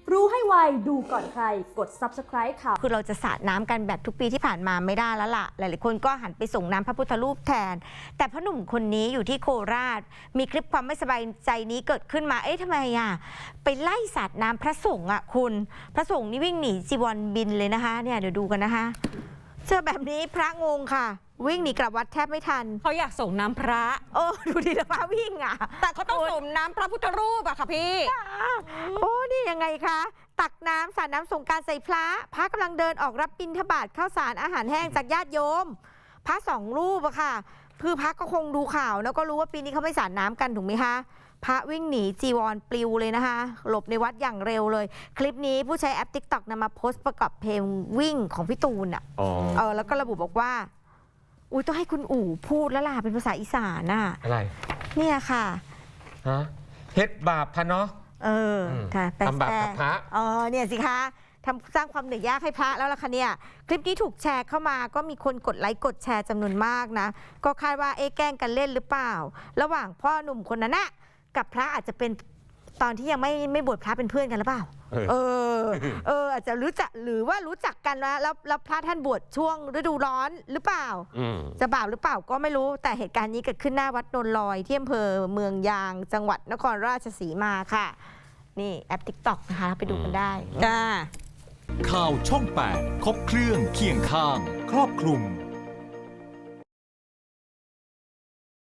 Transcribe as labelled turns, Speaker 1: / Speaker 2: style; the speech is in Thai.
Speaker 1: รู้ให้ไวดูก่อนใครกด Subscribe ค่ะ
Speaker 2: คือเราจะสาดน้ำกันแบบทุกปีที่ผ่านมาไม่ได้แล้วล่ะหลายๆคนก็หันไปส่งน้ำพระพุทธรูปแทนแต่พ่อหนุ่มคนนี้อยู่ที่โคราชมีคลิปความไม่สบายใจนี้เกิดขึ้นมาทำไมไปไล่สาดน้ำพระสงฆ์คุณพระสงฆ์นี่วิ่งหนีจีวรบินเลยนะคะเนี่ยเดี๋ยวดูกันนะคะเจอแบบนี้พระงงค่ะวิ่งหนีกลับวัดแทบไม่ทัน
Speaker 3: เขาอยากส่งน้ำพระ
Speaker 2: ดูดิแล้วพระวิ่ง
Speaker 3: แต่เขาต้องส่งน้ำพระพุทธรูปค่ะพี่
Speaker 2: นี่ยังไงคะตักน้ำสาดน้ำสงกรานต์ใส่พระกำลังเดินออกรับบิณฑบาตข้าวสารอาหารแห้งจากญาติโยมพระ2 รูปค่ะคือพระก็คงดูข่าวแล้วก็รู้ว่าปีนี้เขาไม่สาดน้ำกันถูกไหมคะพระวิ่งหนีจีวรปลิวเลยนะคะหลบในวัดอย่างเร็วเลยคลิปนี้ผู้ใช้แอป TikTok นำมาโพสต์ประกอบเพลงวิ่งของพี่ตูนแล้วก็ระบุบอกว่าต้องให้คุณอู๋พูดแล้วล่ะเป็นภาษาอีสาน
Speaker 4: อะไร
Speaker 2: เนี่ยค่ะ
Speaker 4: เฮ็ดบาปพะเนาะ
Speaker 2: ทำบาปกับพระเนี่ยสิคะทำสร้างความเหนื่อยยากให้พระแล้วล่ะค่ะเนี่ยคลิปนี้ถูกแชร์เข้ามาก็มีคนกดไลค์กดแชร์จำนวนมากนะก็คาดว่าแกล้งกันเล่นหรือเปล่าระหว่างพ่อหนุ่มคนนั้นกับพระอาจจะเป็นตอนที่ยังไม่บวชพระเป็นเพื่อนกันหรือเปล่าอาจจะรู้จักหรือว่ารู้จักกันแล้วพระท่านบวชช่วงฤดูร้อนหรือเปล่าจะบาปหรือเปล่าก็ไม่รู้แต่เหตุการณ์นี้เกิดขึ้นหน้าวัดโนนลอยที่อำเภอเมืองยางจังหวัดนครราชสีมาค่ะนี่แอป TikTok นะคะไปดูกันได้
Speaker 5: ข่าวช่อง 8 ครบเครื่องเคียงข้างครอบคลุม